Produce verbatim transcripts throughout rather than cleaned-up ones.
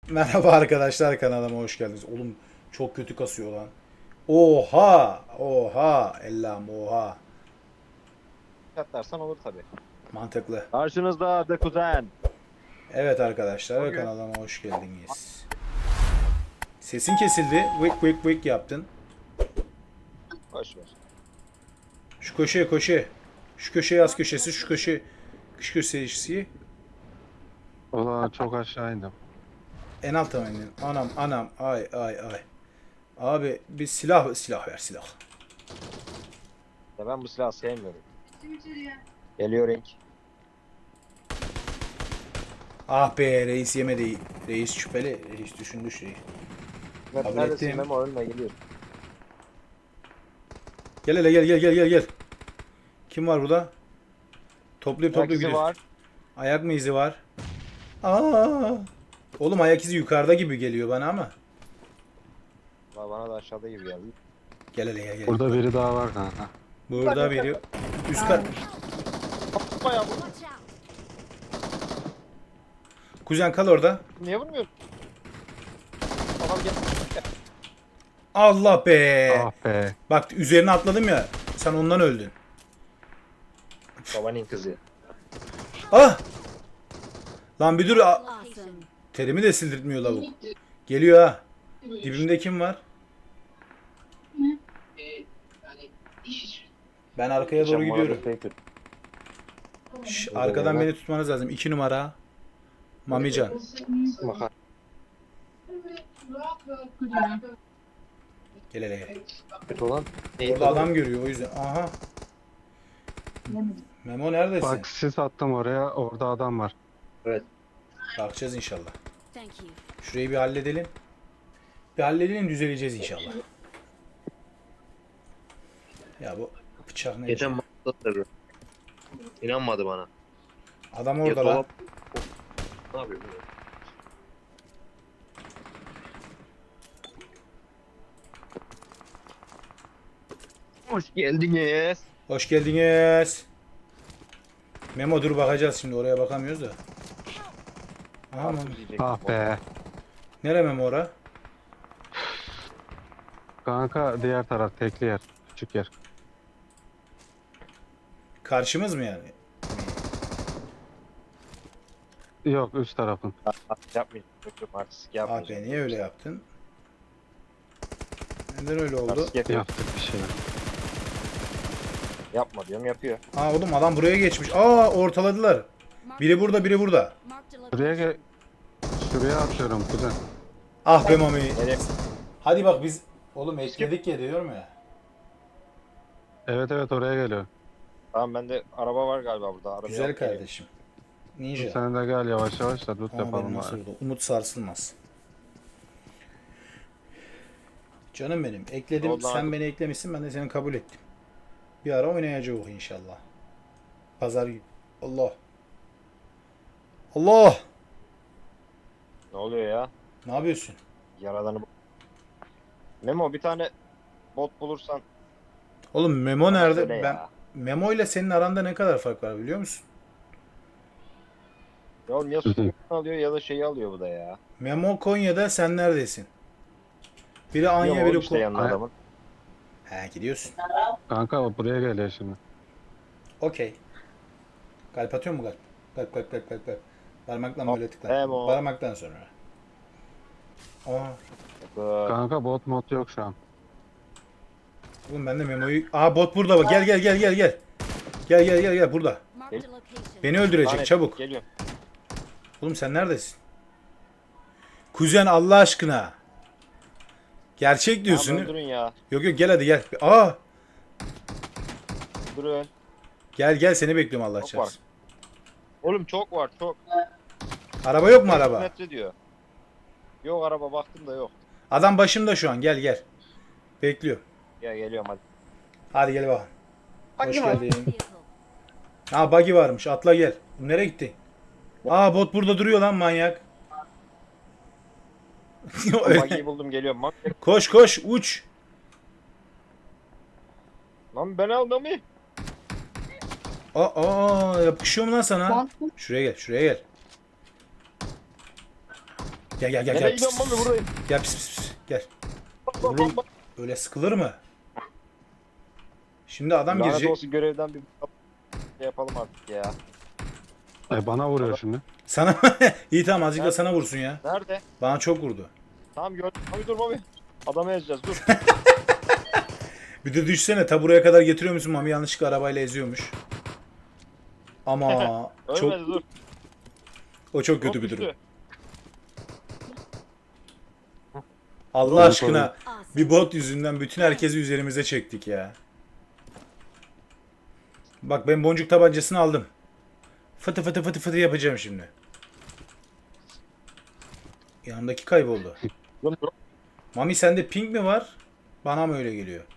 Merhaba arkadaşlar, kanalıma hoş geldiniz. Oğlum çok kötü kasıyor lan. Oha! Oha! Ellam oha. Katlarsan olur tabii. Mantıklı. Karşınızda The Kuzen. Evet arkadaşlar, Bugün kanalıma hoş geldiniz. Sesin kesildi. Vık vık vık yaptın. boş ver. Şu köşeye köşe. Şu köşeye yaz köşesi, şu köşe şu köşesi. Ulan çok aşağı indim. En alta mı indin? Anam anam ay ay ay. Abi bir silah silah ver silah. Ya ben bu silahı sevmiyorum. Geliyor Ring. Ah be, reis yemedi. Reis şüpheli. Reis düşündü şey. Kabul Neredesin ettim. Memo, önüne geliyor. Gel hele gel gel gel gel gel. Kim var burada? Toplayıp Ayak toplayıp izi gidiyoruz. var. Ayak mı izi var? Aa! Oğlum ayak izi yukarıda gibi geliyor bana ama. Valla bana da aşağıda gibi geldi. Gel hele gel gel. Burada biri daha var kanka. Burada biri. Üst kat. Bayağı bu. Watch out! Kuzen kal orada. Niye vurmuyorsun? Adam gel. Allah be. Ah be. Bak üzerine atladım ya. Sen ondan öldün. Babanın kızı. Ah! Lan bir dur. a- Awesome. Terimi de sildirtmiyor lavuk. Geliyor ha. Dibimde kim var? Ben arkaya doğru gidiyorum. Şş, arkadan beni tutmanız lazım. İki numara. Mamican. Bakar. Gel hele gel. Kötü olan. Orada adam görüyor o yüzden. Aha. Memo neredesin? Bak sis attım oraya. Orada adam var. Bakacağız inşallah. Thank you. Şurayı bir halledelim. Bir halledelim, düzeleceğiz inşallah. Ya bu bıçak ne? Geçen maçta tabii. İnanmadı bana. Adam Ya orada lan. dolap- Ne yapıyor? bu? Hoş geldiniz. Hoş geldiniz. Memo dur bakacağız şimdi, oraya bakamıyoruz da. Aha mı? Ah be. Nere Memo ora? Kanka diğer taraf tekli yer. Küçük yer. Karşımız mı yani? Yok üst tarafın. Yapmayacağım. Yok artistik Abi yapmayacağım. niye öyle yaptın? Neden öyle oldu? Artistik yapıyor. Yaptık bir şeyler. Yapma diyorum, yapıyor. Aa oğlum adam buraya geçmiş. Aa ortaladılar. Biri burada, biri burada. Marked a Şuraya location. gel. Şuraya atıyorum kuzen. Ah be Mami. Nereye? Hadi bak biz oğlum ekledik ya diyorum ya. Evet evet oraya geliyor. Tamam, bende araba var galiba burada. Araba Güzel yok, geliyor. kardeşim. Ninja. Sen de gel yavaş yavaş da loot Ama yapalım benim nasıl bari. oldu? Umut sarsılmaz. Canım benim. Ekledim. Oldu Sen abi. beni eklemişsin. Ben de seni kabul ettim. Bir ara oynayacağız inşallah. Pazar günü. Allah. Allah. Ne oluyor ya? Ne yapıyorsun? Yaradanı bu. Memo, bir tane bot bulursan. Oğlum Memo bana nerede? söyle Ben ya. Memo ile senin aranda ne kadar fark var biliyor musun? Ya oğlum ya su alıyor ya da şeyi alıyor bu da ya. Memo Konya'da, sen neredesin? Biri Anya, Yok biri oğlum işte Ko- yanına Ay- adamın. He gidiyorsun. Kanka buraya geliyor şimdi. Okey. Kalp atıyor mu kalp? Kalp kalp kalp kalp kalp. Parmakla Hop, böyle tıkla. Memo. Parmaktan sonra. Aa, Bak, Kanka bot mod yok şu an. oğlum ben de Memo'yu... Aa bot burada bak. Gel gel gel gel gel. Gel gel gel gel burada. Marked a location. Beni öldürecek lanet, çabuk. Geliyorum. Oğlum sen neredesin? Kuzen Allah aşkına. Gerçek diyorsun. Tamam, değil mi? öldürün ya. Yok yok gel hadi gel. Aa Durun. gel gel seni bekliyorum Allah Çok çarpsın. Oğlum çok var çok. Araba yok mu beş yüz araba? metre diyor. Yok, araba baktım da yok. Adam başımda şu an, gel gel. Bekliyor. Ya geliyorum hadi. Hadi gel bakalım. Hoş geldin. Vehicle. Ha buggy varmış, atla gel. Nereye gitti? Aa bot burada duruyor lan manyak. Bagiyi buldum, geliyorum. Bak. Koş koş uç. Lan ben aldım mı? Aa, aa yapışıyor mu lan sana? Şuraya gel, şuraya gel. Gel gel gel Nereye gel. Pis, gidiyorsun pis, Mami, pis. buradayım. Gel pis pis pis. Gel. Bak, bak, Oğlum bak, bak. öyle sıkılır mı? Şimdi adam Lanet girecek. olsun, görevden bir şey yapalım artık ya. E bana vuruyor şimdi. Sana iyi tamam azıcık da sana vursun ya. Nerede? Bana çok vurdu. Tamam gördüm. Mami dur Mami. Adamı ezeceğiz dur. Bir de düşsene ta buraya kadar getiriyor musun? Mami yanlışlıkla arabayla eziyormuş. Ama Ölmedi çok dur. o çok kötü Çok bir durum. düştü. Allah Doğru, aşkına Awesome. bir bot yüzünden bütün herkesi üzerimize çektik ya. Bak ben boncuk tabancasını aldım. Fıtı fıtı fıtı fıtı yapacağım şimdi. Yanındaki kayboldu. Dur, dur. Mami sende ping mi var? Bana mı öyle geliyor?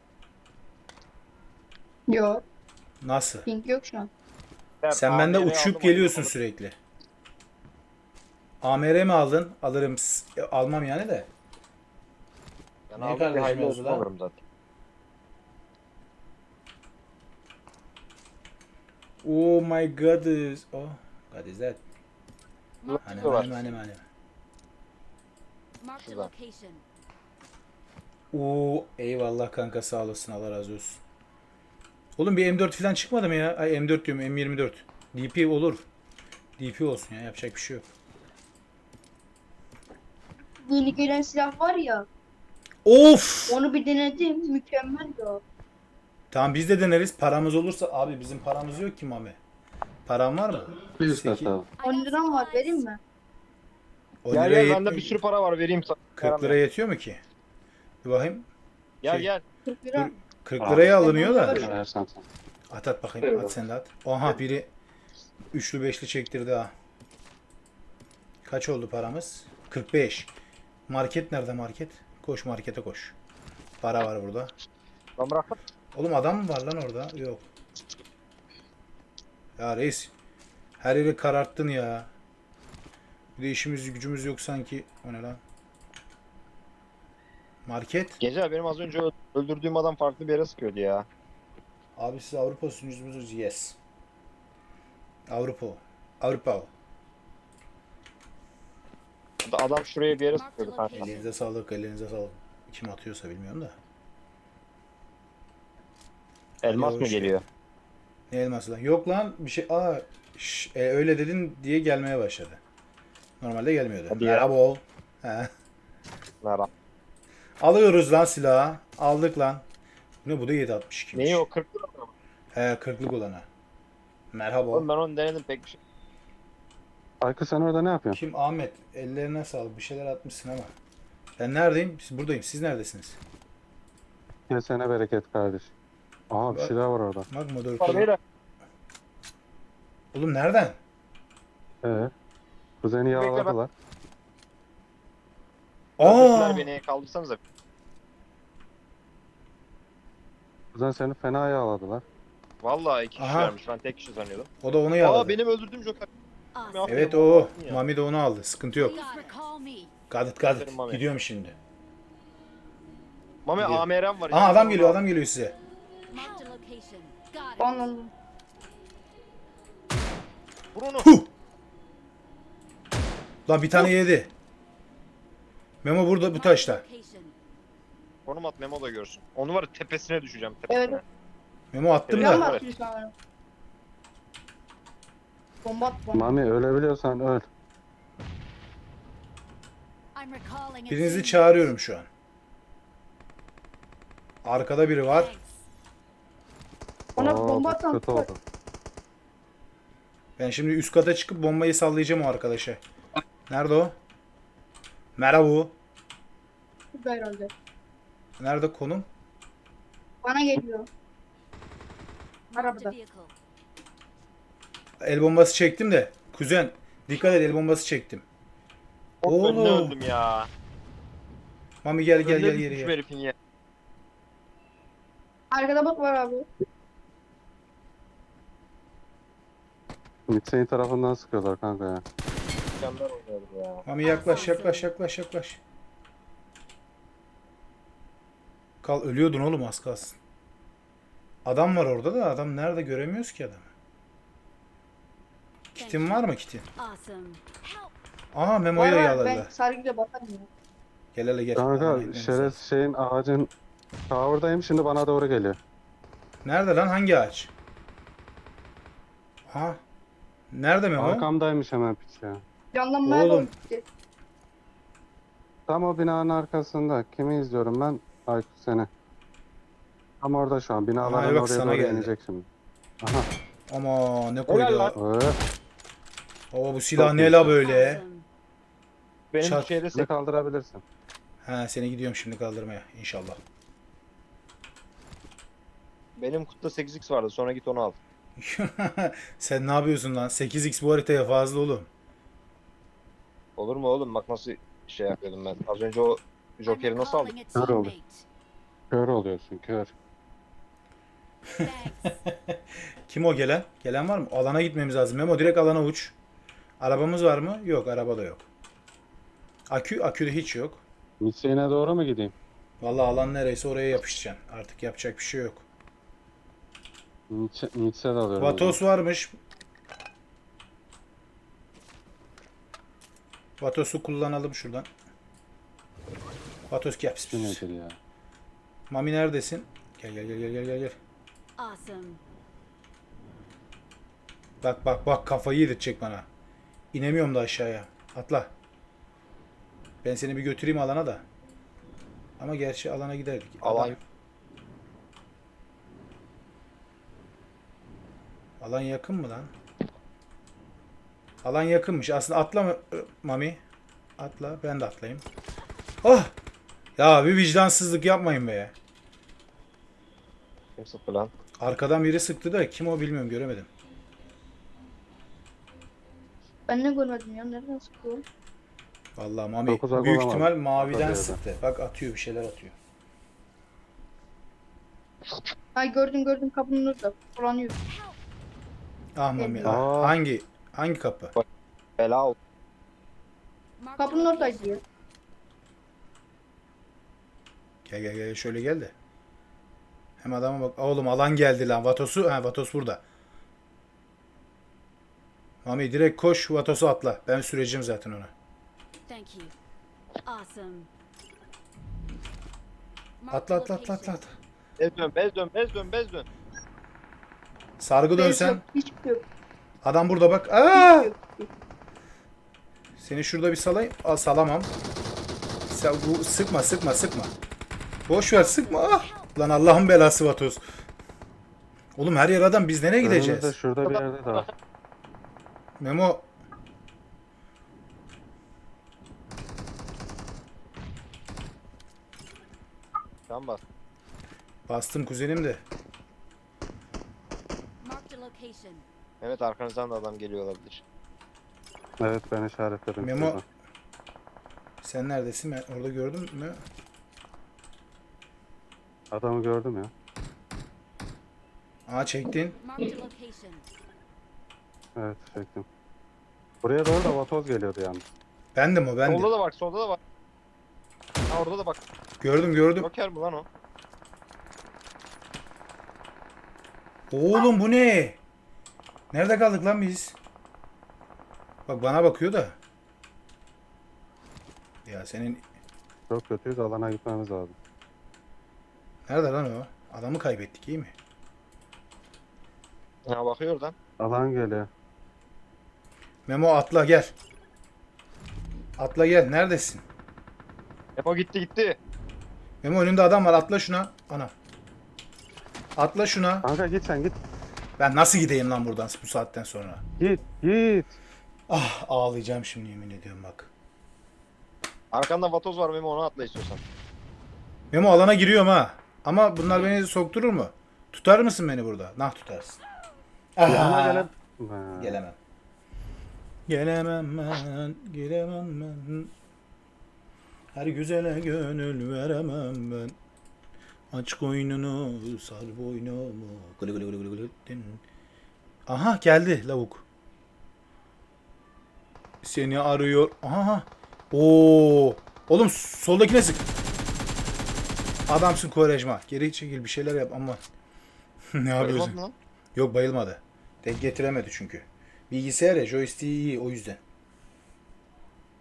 Yok. Nasıl? Pink yok şu an. Sen A M bende R'yi uçup aldım, geliyorsun aldım. sürekli. A M R mi aldın? Alırım. S- e, Almam yani de. Ben Ne aldım, bir kardeşim hayırlı yazdı olsun lan? alırım zaten. Oh my god is... Oh, god is that? Marked Hani a, var. hani hani hani. marked a Şurada. location. Oo eyvallah kanka sağ olasın Allah razı olsun. Oğlum bir M dört falan çıkmadı mı ya? Ay M dört diyorum M yirmi dört. D P olur. D P olsun ya yapacak bir şey yok. Yeni gelen silah var ya, Of! onu bir denedim, mükemmeldi o. Tamam biz de deneriz. Paramız olursa abi bizim paramız yok ki Mami. Param var mı? Bir Sekiz- üst atalım. I on got liram var, supplies. vereyim mi? on Gel liraya gel bende yetmiyor bir ki. sürü para var, vereyim sana. kırk liraya yetiyor mu ki? Bir bakayım. Gel şey- gel. kırk lira. kırk liraya alınıyor da. Versen sen. At at bakayım. At sen de at. Oha biri üçlü beşli çektirdi ha. Kaç oldu paramız? kırk beş. Market nerede market? Koş markete koş. Para var burada. Lan bırak. Oğlum adam mı var lan orada? Yok. Ya reis. Her yeri kararttın ya. Bir de işimiz gücümüz yok sanki. O ne lan? Market. Gece benim az önce ö- öldürdüğüm adam farklı bir yere sıkıyordu ya. Abi siz Avrupa sunucumuz yes. Avrupa. Avrupa. Adam şuraya bir yere sıkıyordu kanka. Elinize sağlık, elinize sağlık. Kim atıyorsa bilmiyorum da. Elmas Hadi mı hoş geliyor? Ne elması lan? Yok lan bir şey. Aa şş, e, öyle dedin diye gelmeye başladı. Normalde gelmiyordu. Hadi ya. Merhaba ol. He. Merhaba. Alıyoruz lan silahı. Aldık lan. Ne bu da yedi altmış ikiymiş. Neyi o kırk lira mı? He kırklık olana. Merhaba ol. Oğlum ben onu denedim pek bir şey. Aykı sen orada ne yapıyorsun? Kim? Ahmet. Ellerine sağlık. Bir şeyler atmışsın ama. Ben neredeyim? Siz buradayım. Siz neredesiniz? Kesene bereket kardeş. Aha bir şey daha var orada. Bak Var moderatör. beyler. Oğlum nereden? Ee, kuzeni Bekle, yağladılar. Aa! Öldürdüler beni, kaldırsanıza. Kuzen seni fena yağladılar. Vallahi iki Aha. kişilermiş, ben tek kişi sanıyordum. O da onu yaladı. Aa benim öldürdüğüm Joker. Awesome. Evet Aferin, o. aldın ya. Mami de onu aldı. Sıkıntı yok. Please recall me. Got it got Aferin it. Mami. Gidiyorum şimdi. Mami Gidiyor. A M R'm var. Aa adam geliyor adam geliyor size. Marked a location. Got it. Anladım. Vur onu. Huh! Lan bir tane yedi. Memo burada bu Marked a taşta. location. Konum at, Memo da görsün. Onu var ya, tepesine düşeceğim, tepesine. Evet. Memo attım Evet. Can mı da. Evet. atıyor sanırım? Bomba at bomba. Mami ölebiliyorsan öl. I'm recalling a Birinizi team. çağırıyorum şu an. Arkada biri var. Thanks. Ona Oo, bomba bu atan kötü oldu. Ben şimdi üst kata çıkıp bombayı sallayacağım o arkadaşa. Nerede o? Merhaba. burada herhalde. Nerede konum? Bana geliyor. Marked a Arabada. vehicle. El bombası çektim de. Kuzen dikkat et el bombası çektim. Çok önüne Oğlum. öldüm ya. Mami gel gel Önüne gel düşmüş geri. herifin ya. Arkada bot var abi. Mitse'nin tarafından sıkıyorlar kanka ya. Mükemmel oynuyordu ya. Mami yaklaş yaklaş yaklaş yaklaş. Kal ölüyordun oğlum az kalsın. Adam var orada da adam nerede göremiyoruz ki adamı. Kitin var mı kitin? Awesome. Help. Aha Memo'yu da Var var, yaladı. ben sargıyla bakarım ya. Gel hele gel. Alana Kanka gitmemiz şeref lazım. şeyin ağacın tower'dayım şimdi bana doğru geliyor. Nerede lan? Hangi ağaç? Aha. Nerede Memo? Arkamdaymış hemen piç ya. Canlanmaya Oğlum. doğru gitti. Tam o binanın arkasında. Kimi izliyorum ben? Aykut seni. Tam orada şu an. Binaların Aha, bak oraya sana doğru geldi. inecek şimdi. Aha. Ama ne Helal koydu? lan. Öyle. Baba bu silah Çok ne iyi. la böyle? Awesome. Benim Çat. şeyde Seni kaldırabilirsin. Ha seni gidiyorum şimdi kaldırmaya inşallah. benim kutuda sekiz x vardı. Sonra git onu al. Sen ne yapıyorsun lan? sekiz x bu haritaya fazla oğlum. Olur mu oğlum? Bak nasıl şey yapıyordum ben. Az önce o I'm Joker'i nasıl aldık? recalling a Kör oldu. teammate. Kör oluyorsun kör. Thanks. Kim o gelen? Gelen var mı? Alana gitmemiz lazım. Memo direkt alana uç. Arabamız var mı? Yok, araba da yok. Akü, akü de hiç yok. Hüseyin'e doğru mu gideyim? Vallahi alan nereyse oraya yapışacaksın. Artık yapacak bir şey yok. Nietzsche, Nietzsche de alıyorum. Vatos varmış. Vatos'u kullanalım şuradan. Vatos gel. Pis, Bu pis. nedir ya? Mami neredesin? Gel gel gel gel gel gel. gel. Awesome. Bak bak bak kafayı yedirtecek bana. İnemiyorum da aşağıya. Atla. Ben seni bir götüreyim alana da. Ama gerçi alana giderdik. Alan- Alan, alan yakın mı lan? Alan yakınmış. Aslında atla mı Mami? Atla. Ben de atlayayım. Oh! Ya bir vicdansızlık yapmayın be. Kim sıktı lan? Arkadan biri sıktı da kim o bilmiyorum göremedim. Ben ne görmedim ya, nereden sıkıyor? Vallahi Mami Çok uzak büyük olamaz. ihtimal maviden Orada bir sıktı. Bak atıyor bir şeyler atıyor. Ay gördüm gördüm, kapının orada. Dolanıyor. Ah Mami ah. Aa. Hangi hangi kapı? Bela oldu. Marked a Kapının oradaydı location. ya. Gel gel gel şöyle gel de. Hem adama bak. Oğlum alan geldi lan. Vatos'u. Ha Vatos burada. Mami direkt koş Vatos'u atla. Ben süreceğim zaten ona. Thank you. Awesome. Atla atla atla atla. atla. Bez dön, bez dön, bez dön, bez dön. Sargı Bez dönsen. yok, hiçbir şey yok. Adam burada bak. Aa! Seni şurada bir salayım. Aa, salamam. Sen, bu, sıkma sıkma sıkma. Boş ver sıkma. Ah! Lan Allah'ın belası Vatos. Oğlum her yer adam. Biz nereye Önümüzde gideceğiz? şurada bir yerde de var. Memo. Tamam bak. Bastım kuzenim de. Marked a location. Evet arkanızdan da adam geliyor olabilir. Evet ben işaretledim. Memo. şurada. Sen neredesin? Ben orada gördüm mü? Adamı gördüm ya. Aa çektin. Marked a location. Evet çektim. Buraya doğru da vatoz geliyordu yalnız. Bendim o bendim. Solda da bak, solda da bak. Ha orada da bak. Gördüm gördüm. Joker mi lan o? Oğlum bu ne? Nerede kaldık lan biz? Bak bana bakıyor da. Ya senin Çok kötüyüz alana gitmemiz lazım. nerede lan o? Adamı kaybettik iyi mi? Ha bakıyor oradan. Alan geliyor. Memo atla gel. Atla gel. Neredesin? Epo gitti gitti. Memo önünde adam var. Atla şuna. Ana. Atla şuna. Kanka git sen git. Ben nasıl gideyim lan buradan bu saatten sonra? Git git. Ah ağlayacağım şimdi yemin ediyorum bak. Arkanda vatoz var Memo, onu atla istiyorsan. Memo alana giriyorum ha. Ama bunlar beni sokturur mu? Tutar mısın beni burada? Nah tutarsın. Yanına Ah. gelip. Ha. Gelemem. Gelemem ben, gelemem ben. Her güzele gönül veremem ben. Aç koynunu, sar boynumu. Gılı gılı gılı gılı gılı din. Aha geldi lavuk. Seni arıyor. Aha. Oo. Oğlum soldakine sık. Adamsın Kovarejma. Geri çekil bir şeyler yap ama. Ne yapıyorsun? Bayılmadın lan. Yok bayılmadı. Denk getiremedi çünkü. Bilgisayar ya joystick'i iyi o yüzden.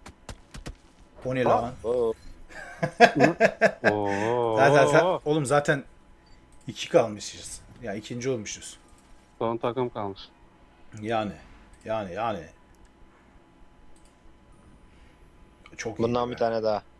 O ne Aa. lan? Oo. Oo. Zaten, zaten- oğlum zaten iki kalmışız. Ya ikinci olmuşuz. Son takım kalmış. Yani. Yani yani. Çok iyi. Bundan be. bir tane daha.